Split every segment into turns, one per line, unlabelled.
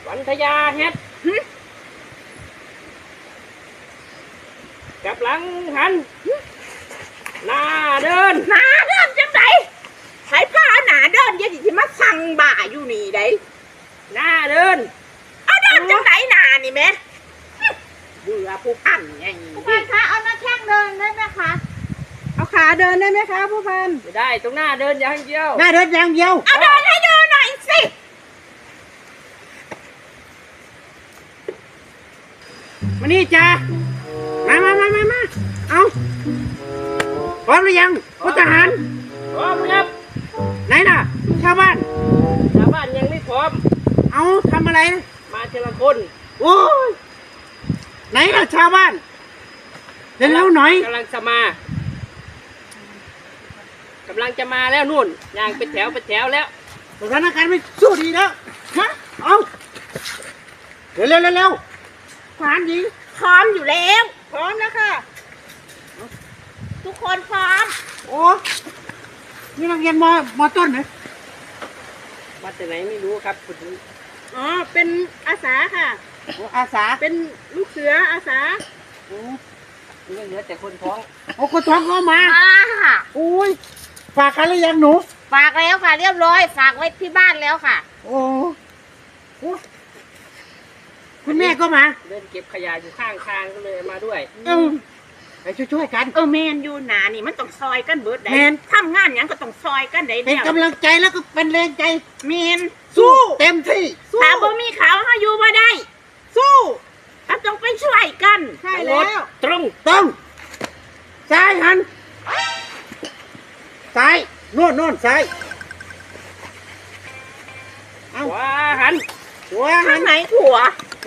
วันทยาเฮ็ดกับหลังหันหน้าเดิน
จังไดใช้ผ้าหนาเดินเดี๋ยวสิมาสั่งบ่าอยู่นี่ได้
หน้าเดิน
เอาเดินจังไดหนานี่แม่เบื่อผู้พันไงผู้พันคะเอาหน้าแข้งเดินได้ไหมคะ
เอาขาเดินได้ไหมคะผู้พัน
ไม่ได้ตรงหน้าเดินอย่างเดียว
หน้าเดินอย่างเดียว
เอาเดินให้ดูหน่อยสิ
มานี่จ้ามาเอาพร้อมหรือยังพลทหาร
พร้อมครับ
ไหนน่ะชาวบ้าน
ยังไม่พร้อม
เอาทำอะไรนะ
มาทีละคน
โอ้ยไหนล่ะชาวบ้านเร็วๆหน่อย
กำลังจะมาแล้วนู่นยางเป็นแถวแล้ว
สถานการณ์ไม่สู้ดีแล้วฮะเอาเร็วทหารหญิง
พร้อมอยู่แล้ว
พร้อมแล้วค่ะ
ทุกคนพร้อม
โอ้นี่นักเรียนมต้นเหรอ
มาจากไหนไม่รู้ครับคุณ
อ๋อเป็นอาสาค่ะอาสาเป็นลูกเสืออาสา
นี่เหลือแต่คนท้อง
โอ้คนท้องเข้ามา
ค่ะ
อุ้ยฝากกันหรือยังหนู
ฝากแล้วค่ะเรียบร้อยฝากไว้ที่บ้านแล้วค่ะ
โอ้คุณแม่ก็มา
เดินเก็บขยะอยู่ข้างทางก็เลยมาด้วย
ไปช่วยกัน
แมนอยู่หนานี่มันต้องซอยกันเบิดได้ทำงานอย่างก็ต้องซอยกันได้
เป็นกำลังใจแล้วก็เป็นแรงใจ
แมน
สู้เต็มที่
ถ้าบ่มีเขาเฮาอยู่บ่ได้สู้ต้องไปช่วยกัน
ใช่แล้ว
ตรง
ซ้ายหันซ้ายโน่นซ้าย
ขวาหัน
ทางไหนขวา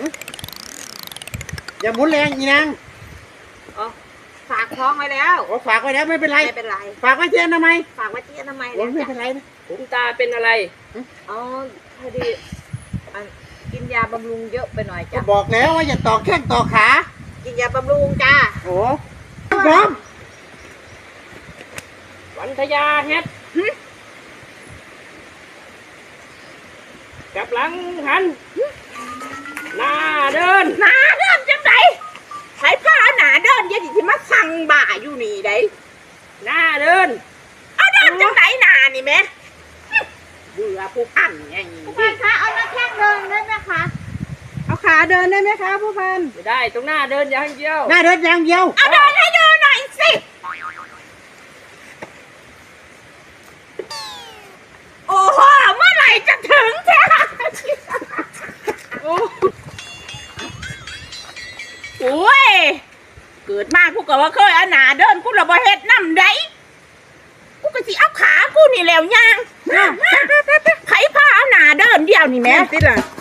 อย่าหมุนแรงอีนาง
ฝากท้องไว้แล้ว
ฝากไว้แล้วไม่เป็นไรฝากไว้เทียนทำไม
ฝากไว้เทียนทำไม
ไม่เป็นไรนะ
ผมตาเป็นอะไร
พอดีกินยาบำรุงเยอะไปหน่อยจ้ะ
บอกแล้วว่าอย่าต่อแข้งต่อขา
กินยาบำรุงจ้า
โอ้พร้อม
วันทยาเฮ็ดกับหลังหันหน้าเดิน
จังไดใช้ผ้าหนาเดินเดี๋ยวสิมาสั่งบ่าอยู่นี่ได้
หน้าเดิน
เอาเดินจังไดหนานี่แม่เบื่อผู้พันไงผู้พันคะเอาหน้าแข้งเดินได้ไหมคะ
เอาขาเดินได้ไหมคะผู้พัน
ไม่ได้ตรงหน้าเดินอย่างเดียว
หน้าเดินอย่างเดียว
เอาเดินให้ดูหน่อยสิโอ้โหเมื่อไหร่จะถึงจ้ะโอ้ยเกิดมากูก็ว่าเคยเอาหนาเดินกูระบเฮ็ดน้ำได้กูก็สิเอาขากูนี่แล้วย่างไผพาเอาหนาเดินเดียวนี่แม่
ติดล่ะ